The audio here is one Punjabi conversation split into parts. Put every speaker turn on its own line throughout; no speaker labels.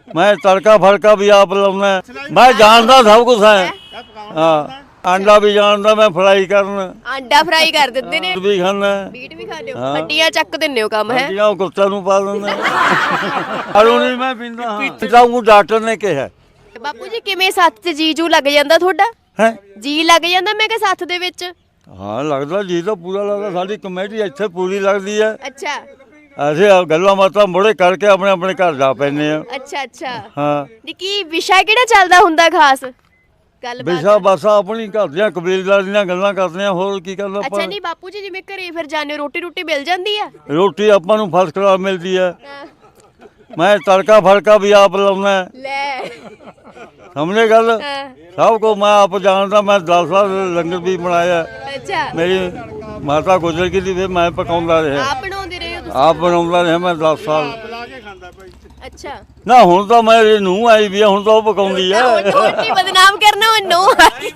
मैं तड़का फड़का भी आप लाना, मैं जानता सब कुछ है। हाँ अंडा भी जानता मैं फ्राई करना,
ਆਂਡਾ ਫਰਾਈ ਕਰ ਦਿੰਦੇ ਨੇ,
भी खाना,
ਮੀਟ ਵੀ ਖਾਂਦੇ ਹੋ, ਹੱਡੀਆਂ ਚੱਕ ਦਿੰਦੇ ਹੋ ਕੰਮ ਹੈ।
हड्डियां कुत्ते नूं पा देना। दारू नहीं मैं पींदा, हाँ डॉक्टर ने कहा
ਬਾਪੂ ਜੀ ਕਿਵੇਂ ਸੱਥ 'ਚ ਜੀਜੂ ਲੱਗ ਜਾਂਦਾ ਤੁਹਾਡਾ?
है।
ਜੀ ਲੱਗ ਜਾਂਦਾ ਮੈਂ ਕਿਹਾ ਸੱਥ ਦੇ ਵਿੱਚ?
हाँ लगता जी तो पूरा लगता, साडी कमेटी इत्थे पूरी लगती है।
ਅੱਛਾ
ऐसे गल्लां बातां मुड़े करके अपने अपने घर जा पैने आ।
ਅੱਛਾ ਅੱਛਾ
हाँ
ਜੀ ਕੀ ਵਿਸ਼ਾ ਕਿਹੜਾ ਚੱਲਦਾ ਹੁੰਦਾ ਖਾਸ ਗੱਲਬਾਤ?
ਵਿਸ਼ਾ ਬਾਸਾ ਆਪਣੀ ਘਰ ਦੀਆਂ ਕਬੀਲਦਾਰੀ ਦੀਆਂ ਗੱਲਾਂ ਕਰਦੇ ਆ, ਹੋਰ ਕੀ ਕਰਨਾ
ਅੱਛਾ
ਆਪਾਂ।
ਨਹੀਂ ਬਾਪੂ ਜੀ ਜਿਵੇਂ ਘਰੇ ਫਿਰ ਜਾਂਦੇ ਰੋਟੀ ਰੋਟੀ ਮਿਲ ਜਾਂਦੀ ਆ?
ਰੋਟੀ ਆਪਾਂ ਨੂੰ ਫਸਟ ਕਲਾਸ ਮਿਲਦੀ ਹੈ।
ਹਾਂ,
ਮੈਂ ਤੜਕਾ ਫੜਕਾ ਵੀ ਆਪ ਲਾਉਣਾ,
ਲੈ
ਸਮਝੇ ਗੱਲ।
ਹਾਂ,
ਸਭ ਕੋ ਮੈਂ ਆਪ ਜਾਣਦਾ, ਮੈਂ 10 ਸਾਲ ਲੰਗਰ ਵੀ ਬਣਾਇਆ।
ਅੱਛਾ
ਮੇਰੀ ਮਾਤਾ ਗੁਜ਼ਰ ਗਈ ਸੀ, ਫਿਰ ਮੈਂ ਪਕਾਉਂਦਾ ਰਿਹਾ,
ਆਪ ਬਣਾਉਂਦੇ ਰਹੇ ਹੋ ਤੁਸੀਂ?
ਆਪ ਬਣਾਉਂਦਾ ਰਿਹਾ ਮੈਂ 10 ਸਾਲ।
ਅੱਛਾ
ਨਾ ਹੁਣ ਤਾਂ ਮੇਰੀ ਨੂੰਹ ਆਈ ਵੀ ਆ, ਹੁਣ ਤਾਂ ਉਹ ਪਕਾਉਂਦੀ ਆ।
ਹੁਣ ਨਹੀਂ ਬਦਨਾਮ ਕਰਨਾ ਉਹਨੂੰ।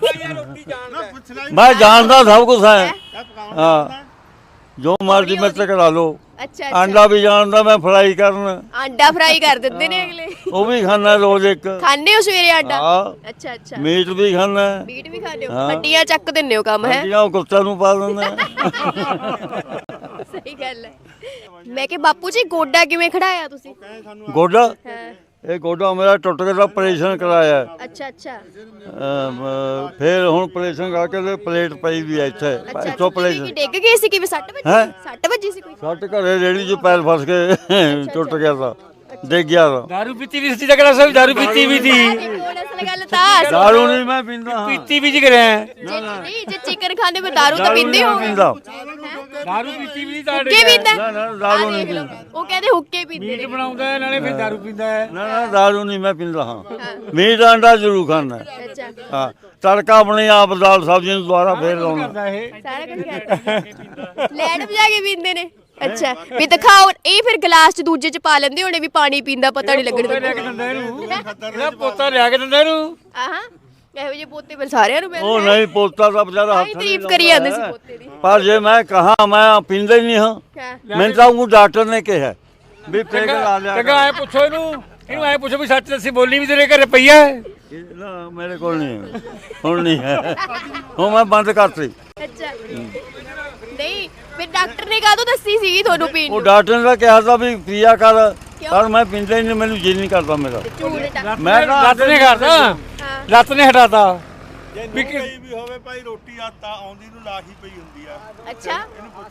ਮੈਂ ਜਾਣਦਾ ਸਭ ਕੁਝ ਹੈ। ਹਾਂ ਜੋ ਮਰਜ਼ੀ ਮੇਰੇ ਤੇ ਕਰਾ ਲਓ।
ਅੱਛਾ
ਆਂਡਾ ਵੀ ਜਾਣਦਾ ਮੈਂ ਫਰਾਈ ਕਰਨ,
ਆਂਡਾ ਫਰਾਈ ਕਰ ਦਿੰਦੇ ਨੇ ਅਗਲੇ।
ਉਹ ਵੀ ਖਾਣਾ ਰੋਜ਼ ਇੱਕ।
ਖਾਂਦੇ ਹੋ ਸਵੇਰੇ ਆਂਡਾ?
ਹਾਂ
ਅੱਛਾ ਅੱਛਾ
ਮੀਟ ਵੀ ਖਾਣਾ,
ਮੀਟ ਵੀ ਖਾਂਦੇ ਹੋ,
ਹਾਂ।
ਹੱਡੀਆਂ ਚੱਕ ਦਿੰਦੇ ਹੋ ਕੰਮ ਹੈ।
ਹੱਡੀਆਂ ਉਹ ਕੁੱਤੇ ਨੂੰ ਪਾ ਦਿੰਦਾ।
ਸਹੀ ਗੱਲ ਹੈ। ਮੈਂ ਕਿ ਬਾਪੂ ਜੀ ਗੋਡਾ ਕਿਵੇਂ ਖੜਾਇਆ ਤੁਸੀਂ?
ਗੋਡਾ,
ਹਾਂ
ਇਹ ਗੋਡਾ ਮੇਰਾ ਟੁੱਟ ਗਿਆ ਤਾਂ ਆਪਰੇਸ਼ਨ ਕਰਾਇਆ।
ਅੱਛਾ ਅੱਛਾ
ਫਿਰ ਹੁਣ ਆਪਰੇਸ਼ਨ ਕਰਕੇ ਤੇ ਪਲੇਟ ਪਈ ਵੀ ਹੈ ਇੱਥੇ,
ਅੱਛਾ
ਇੱਥੋਂ
ਕੀ
ਆਪਰੇਸ਼ਨ।
ਡਿੱਗ ਗਏ ਸੀ? ਕਿਵੇਂ ਸੱਟ ਵੱਜੀ?
ਹੈਂ?
ਸੱਟ ਵੱਜੀ ਸੀ ਕੋਈ?
ਸੱਟ ਘਰੇ ਰੇੜੀ 'ਚ ਪੈਰ ਫਸ ਕੇ ਟੁੱਟ ਗਿਆ ਤਾਂ, ਡਿੱਗ ਗਿਆ ਤਾਂ।
दारू पीती भी सी जगह सब दारू पीती भी थी,
ਕੋਲ ਅਸਲ ਗੱਲ ਤਾਂ
ਦਾਰੂ ਨਹੀਂ ਮੈਂ ਪੀਂਦਾ, ਹਾਂ।
पीती भी जिगर है,
ਜੇ ਨਹੀਂ ਜੇ ਚਿਕਨ ਖਾਂਦੇ ਕੋਈ ਦਾਰੂ ਤਾਂ ਪੀਂਦੇ ਹੋ?
ਪੀਂਦਾ।
दारू पीती भी
ਹੁੱਕੇ ਪੀਂਦਾ?
ਨਾ ਨਾ ਦਾਰੂ
ਆਹ
ਨਹੀਂ
ਦੇਖ ਲਓ,
ਪੀਂਦਾ।
ਉਹ ਕਹਿੰਦੇ ਹੁੱਕੇ ਪੀਂਦੇ
मीट
ਨੇ।
बनाऊंगा है नाले फिर दारू पींदा है।
ਨਾ ਨਾ ਦਾਰੂ ਨਹੀਂ ਮੈਂ ਪੀਂਦਾ, ਹਾਂ। ਮੀਟ ਆਂਡਾ ਜ਼ਰੂਰ ਖਾਣਾ,
ਅੱਛਾ
ਹਾਂ। ਤੜਕਾ ਆਪਣੇ ਆਪ ਦਾਲ ਸਬਜ਼ੀ ਨੂੰ ਦੁਬਾਰਾ ਫੇਰ ਲਾਉਣਾ।
करदा है
ਸਾਰਾ ਕੁਝ ਕਰਦਾ। ਲੈਣ ਵਜਾ ਕੇ ਪੀਂਦੇ ਨੇ? ਅੱਛਾ ਵੀ ਦਿਖਾਓ, ਇਹ ਫਿਰ ਗਲਾਸ ਚ ਦੂਜੇ ਚ ਪਾ ਲੈਂਦੇ ਹੋਣੇ ਵੀ ਪਾਣੀ ਪੀਂਦਾ ਪਤਾ ਨਹੀਂ
पोता
ਲੱਗਣ
लिया के दंदा नु पोता लिया के दंदा नु
ਆਹਾਂ ਇਹੋ ਜਿਹੇ ਪੋਤੇ ਫਿਰ ਸਾਰਿਆਂ ਨੂੰ
ਉਹ
ਮਿਲਦੇ
ਨਹੀਂ ਪੋਤਾ ਤਾਂ ਵਿਚਾਰਾ
ਆਹੀ
ਹੱਥ ਨਹੀਂ
ਤਾਰੀਫ ਕਰੀ ਜਾਂਦੇ ਸੀ ਪੋਤੇ ਦੀ।
ਪਰ ਜੇ ਮੈਂ ਕਹਾ ਮੈਂ ਪੀਂਦਾ ਹੀ ਨਹੀਂ ਹਾਂ,
ਹਾਂ
ਮੈਨੂੰ ਤਾਂ ਉਹ ਡਾਕਟਰ ਨੇ ਕਿਹਾ ਵੀ ਪੈਗ ਲਾ ਲਿਆ
चंगा आए पूछो इनु आए पूछो भी सच दसी बोली भी तेरे घर पई है।
ਨਾ ਮੇਰੇ ਕੋਲ ਨਹੀਂ ਹੈ, ਹੁਣ ਨਹੀਂ ਹੈ, ਹੁਣ ਮੈਂ ਬੰਦ ਕਰਤੀ।
ਅੱਛਾ ਨਹੀਂ ਫਿਰ ਡਾਕਟਰ ਨੇ ਕਾਹਦੋਂ ਦੱਸੀ ਸੀ ਤੁਹਾਨੂੰ ਪੀਣ
ਉਹ
ਨੂੰ?
ਡਾਕਟਰ ਨੇ ਕਿਹਾ ਤਾਂ ਵੀ ਪੀਆ ਕਰ, ਪਰ ਮੈਂ ਪੀਂਦਾ ਹੀ ਨਹੀਂ, ਮੈਨੂੰ ਜੀ ਨਹੀਂ ਕਰਦਾ ਮੇਰਾ।
ਝੂਠ ਡਾਕਟਰ।
ਮੈਂ ਤਾਂ
ਲੱਤ ਨੇ ਕਰਦਾ,
ਹਾਂ
ਲੱਤ ਨੇ ਹਟਾਤਾ।
ਵੀ ਹੋਵੇ ਭਾਈ ਰੋਟੀ ਆਤਾ ਆਉਂਦੀ ਨੂੰ ਲਾਹੀ ਪਈ ਹੁੰਦੀ ਆ।
ਅੱਛਾ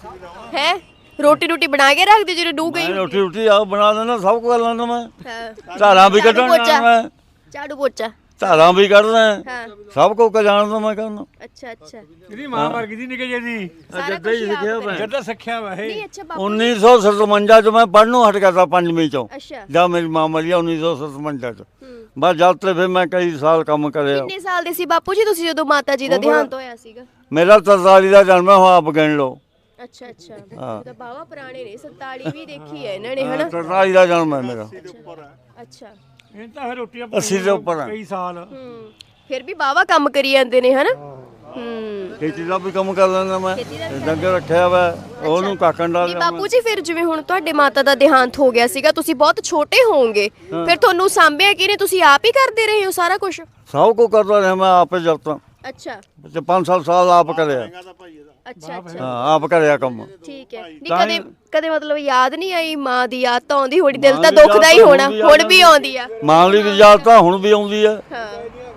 ਹੈ ਰੋਟੀ ਰੋਟੀ ਬਣਾ ਕੇ ਰੱਖਦੇ ਜਦੋਂ ਡੂ ਗਈ?
ਮੈਂ ਰੋਟੀ ਰੋਟੀ ਆ ਬਣਾ ਲੈਣਾ, ਸਭ ਕੁਝ ਕਰ ਲੈਂਦਾ ਮੈਂ।
ਹਾਂ
ਧਾਰਾਂ ਵੀ
ਝਾੜੂ
ਕੱਢਣ
ਪੋਚਾ।
ਜਾਣਾ ਮੈਂ,
ਝਾੜੂ ਪੋਚਾ।
ਧਾਰਾਂ ਵੀ ਕੱਢਦਾ,
ਹਾਂ
ਸਭ ਕੁਝ ਜਾਣਦਾ ਮੈਂ ਕਰਨਾ।
ਅੱਛਾ ਅੱਛਾ
ਇਹਦੀ ਮਾਂ ਮਰ ਗਈ ਸੀ ਨਿੱਕੇ ਜਿਹੇ ਦੀ,
ਸਾਰਾ
ਜੱਦਾਂ ਹੀ
ਕੁਛ ਆਪ
ਸਿੱਖਿਆ
ਕਰਿਆ।
ਮੈਂ।
ਜੱਦਾ ਸਿੱਖਿਆ ਵਾ ਇਹ।
ਨਹੀਂ ਅੱਛਾ ਬਾਪੂ
1957 ਚ ਮੈਂ ਪੜ੍ਹਨੋਂ ਹਟ ਗਿਆ ਤਾਂ 5ਵੀਂ ਚੋਂ,
ਅੱਛਾ
ਜਦ ਮੇਰੀ ਮਾਂ ਮਰੀ ਆ 1957 ਚ।
ਹੂੰ
ਬਸ ਜਦ ਤੇ ਫਿਰ ਮੈਂ ਕਈ ਸਾਲ ਕੰਮ ਕਰਿਆ।
ਕਿੰਨੇ ਸਾਲ ਦੇ ਸੀ ਬਾਪੂ ਜੀ ਤੁਸੀਂ ਜਦੋਂ ਮਾਤਾ ਜੀ ਦਾ ਦੇਹਾਂਤ ਹੋਇਆ ਸੀਗਾ?
ਮੇਰਾ 43 ਦਾ ਜਨਮ ਹੈ, ਹੁਣ ਆਪ ਗਿਣ ਲਓ।
ਅੱਛਾ ਅੱਛਾ
ਹਾਂ।
ਇਹ ਤਾਂ ਬਾਵਾ ਪੁਰਾਣੇ ਨੇ, 47 ਵੀ ਦੇਖੀ ਹੈ ਇਹਨਾਂ ਨੇ ਹਨਾ?
43 ਦਾ ਜਨਮ ਹੈ ਮੇਰਾ।
ਅੱਛਾ
ਇਹ ਤਾਂ ਫਿਰ ਰੋਟੀਆਂ
80 ਦੇ ਉੱਪਰ ਆ।
ਕਈ ਸਾਲ
ਹੂੰ ਫਿਰ ਵੀ ਬਾਵਾ ਕੰਮ ਕਰੀ ਜਾਂਦੇ ਨੇ ਹਨਾ? ਹੂੰ
ਖੇਤੀ ਦਾ ਵੀ ਕੰਮ ਕਰ ਲੈਂਦਾ ਮੈਂ,
ਖੇਤੀ ਦਾ ਵੀ
ਡੰਗਰ ਰੱਖਿਆ ਵਾ, ਉਹਨੂੰ ਕਾਕਣ
ਨਹੀਂ
ਡਾਲ
ਬਾਪੂ ਜੀ ਫਿਰ ਜਿਵੇਂ ਹੁਣ ਤੁਹਾਡੇ ਮਾਤਾ ਦਾ ਦੇਹਾਂਤ ਹੋ ਗਿਆ ਸੀਗਾ, ਤੁਸੀਂ ਬਹੁਤ ਛੋਟੇ ਹੋਵੋਗੇ, ਫਿਰ ਤੁਹਾਨੂੰ ਸਾਂਭਿਆ ਕਿਹਨੇ? ਤੁਸੀਂ ਆਪ ਹੀ ਕਰਦੇ ਰਹੇ ਹੋ ਸਾਰਾ ਕੁਝ?
ਸਭ ਕੁਝ ਕਰਦਾ ਰਿਹਾ ਮੈਂ ਆਪੇ ਜਦ ਤਾਂ
ਅੱਛਾ
5-7 ਸਾਲ ਆਪ ਕਰਿਆ।
ਅੱਛਾ ਅੱਛਾ
ਹਾਂ ਆਪ ਕਰਿਆ ਕੰਮ।
ਠੀਕ ਹੈ। ਨਹੀਂ
ਤਾਂ
ਕਦੇ ਕਦੇ ਮਤਲਬ ਯਾਦ ਨਹੀਂ ਆਈ ਮਾਂ ਦੀ ਯਾਦ ਤਾਂ ਆਉਂਦੀ ਹੋਣੀ, ਦਿਲ
ਮਾਂ
ਤਾਂ
ਦੀ ਯਾਦ
ਦੁਖਦਾ ਹੀ
ਤਾਂ
ਹੋਣਾ,
ਹੁਣ ਵੀ
ਹੁਣ ਵੀ ਆਉਂਦੀ ਆ?
ਮਾਂ ਦੀ ਵੀ ਯਾਦ ਤਾਂ ਹੁਣ ਵੀ ਆਉਂਦੀ ਹੈ।
ਹਾਂ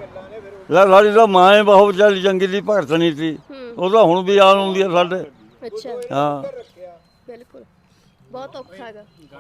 ਸਾਡੀ ਤਾਂ ਮਾਂ ਹੀ ਬਹੁਤ ਵਿਚਾਰੀ ਚੰਗੀ ਦੀ ਭਗਤ ਨਹੀਂ ਸੀ, ਉਹ ਤਾਂ ਹੁਣ ਵੀ ਯਾਦ ਆਉਂਦੀ ਹੈ ਸਾਡੇ।
ਅੱਛਾ
ਹਾਂ
ਬਿਲਕੁਲ ਬਹੁਤ ਔਖਾ ਹੈਗਾ।